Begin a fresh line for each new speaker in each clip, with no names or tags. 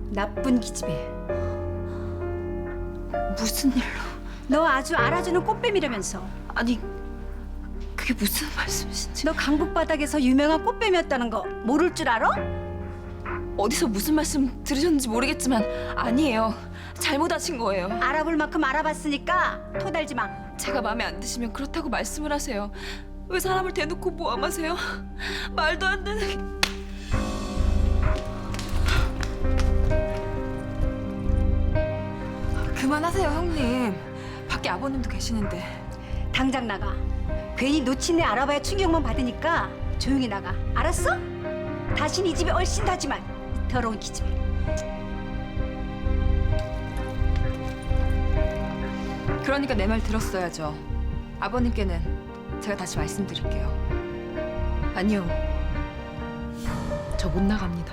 나쁜 기집애.
무슨 일로?
너 아주 알아주는 꽃뱀이라면서.
아니, 그게 무슨 말씀이신지.
너 강북 바닥에서 유명한 꽃뱀이었다는 거 모를 줄 알아?
어디서 무슨 말씀 들으셨는지 모르겠지만 아니에요. 잘못하신 거예요.
알아볼 만큼 알아봤으니까 토달지 마.
제가 마음에 안 드시면 그렇다고 말씀을 하세요. 왜 사람을 대놓고 모함하세요? 말도 안 되는... 그만하세요, 형님. 밖에 아버님도 계시는데.
당장 나가. 괜히 놓친 애 알아봐야 충격만 받으니까 조용히 나가. 알았어? 다신 이 집에 얼씬하지 마. 더러운 기집애.
그러니까 내 말 들었어야죠. 아버님께는 제가 다시 말씀드릴게요. 아니요. 저 못 나갑니다.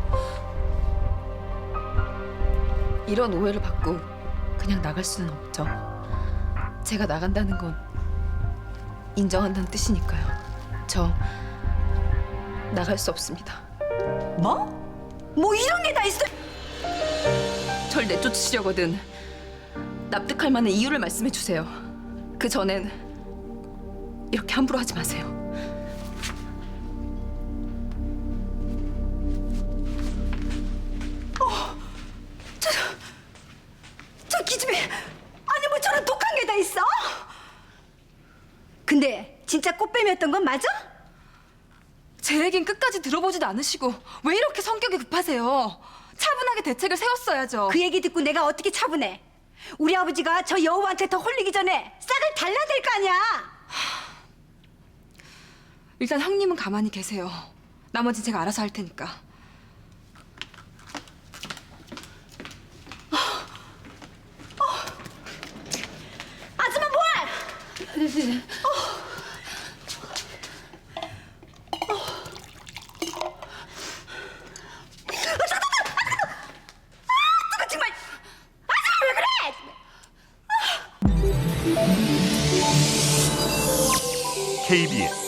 이런 오해를 받고 그냥 나갈 수는 없죠. 제가 나간다는 건 인정한다는 뜻이니까요. 저 나갈 수 없습니다.
뭐? 뭐 이런 게 다 있어?
절 내쫓으시려거든 납득할 만한 이유를 말씀해 주세요. 그 전엔 이렇게 함부로 하지 마세요.
저 기집애. 아니 뭐 저런 독한 게 다 있어? 근데 진짜 꽃뱀이었던 건 맞아?
제 얘긴 끝까지 들어보지도 않으시고 왜 이렇게 성격이 급하세요? 차분하게 대책을 세웠어야죠.
그 얘기 듣고 내가 어떻게 차분해? 우리 아버지가 저 여우한테 더 홀리기 전에 싹을 달라야 될 거 아니야.
일단 형님은 가만히 계세요. 나머진 제가 알아서 할 테니까.
아줌마 뭐해? 뜨거 정말. 아줌마 왜 그래?
KBS